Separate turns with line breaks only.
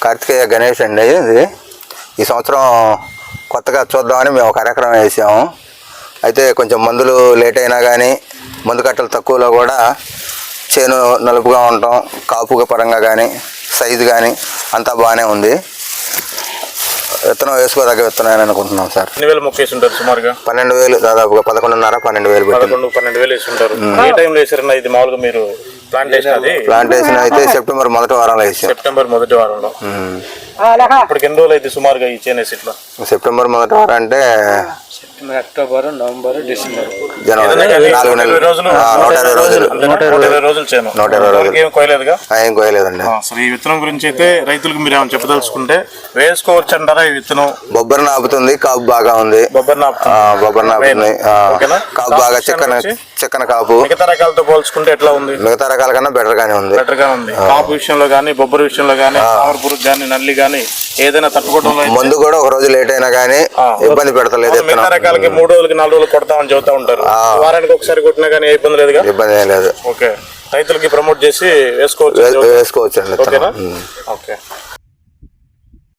కార్తికేయ గణేష్ అండి. ఇది ఈ సంవత్సరం కొత్తగా చూద్దామని మేము ఒక ఎకరం వేసాము. అయితే కొంచెం మందులు లేట్ అయినా కానీ మందు కట్టలు తక్కువలో కూడా చేను నలుపుగా ఉండటం, కాపుగా పరంగా కానీ సైజు కానీ అంతా బాగానే ఉంది. విత్తనం వేసుకోదగ్గ విత్తనం అని అనుకుంటున్నాం సార్.
ఎన్ని వేలు మొక్క వేసి ఉంటారు సుమారుగా?
12,000 దాదాపుగా 11,500 12,000
12,000 వేసి ఉంటారు. ఏ టైంలో వేసారన్నా ఇది మామూలుగా మీరు
ప్లాంటేషన్ అయితే సెప్టెంబర్ మొదటి వారంలో వేసాం.
సెప్టెంబర్ మొదటి వారంలో. ఇప్పటికి ఎన్ని రోజులు అయితే సుమారుగా ఈ చేనేసి ఇట్లా?
సెప్టెంబర్ మొదటి వారం అంటే
అక్టోబర్, నవంబర్, డిసెంబర్,
జనవరి 4 నెలలు.
120 రోజులు చేను.
120 రోజులు
ఏం కోయలేదుగా?
ఏం కోయలేదండి.
అసలు ఈ విత్తనం గురించి అయితే రైతులకు మీరు ఏమైనా చెప్పదలుచుకుంటే వేసుకోవచ్చు అంటారా? ఈ విత్తనం
బొబ్బరి నాపుతుంది, కాపు బాగా ఉంది.
బొబ్బరి
నాపుతుంది, కాపు బాగా చిక్కన కాపు.
మిగతా రకాలతో పోల్చుకుంటే ఎట్లా ఉంది?
మిగతా రకాల కన్నా బెటర్ గానే ఉంది.
కాపు విషయంలో కానీ, బొబ్బరి విషయంలో కానీ, ఆవర పురుగు కానీ, నల్లి కానీ ఏదైనా తట్టుకోవడంలో
మందు కూడా ఒక రోజు లేట్ అయినా కానీ ఇబ్బంది పెడతలేదు.
మిగతా రకాలకి 3 రోజులకి 4 రోజులు కొడతామని చెబుతా ఉంటారు. వారానికి ఒకసారి కొట్టినా కానీ ఇబ్బంది లేదుగా?
ఇబ్బంది ఏం లేదు.
ఓకే, రైతులకి ప్రమోట్ చేసి వేసుకోవచ్చు
అండి.
ఓకేనా? ఓకే.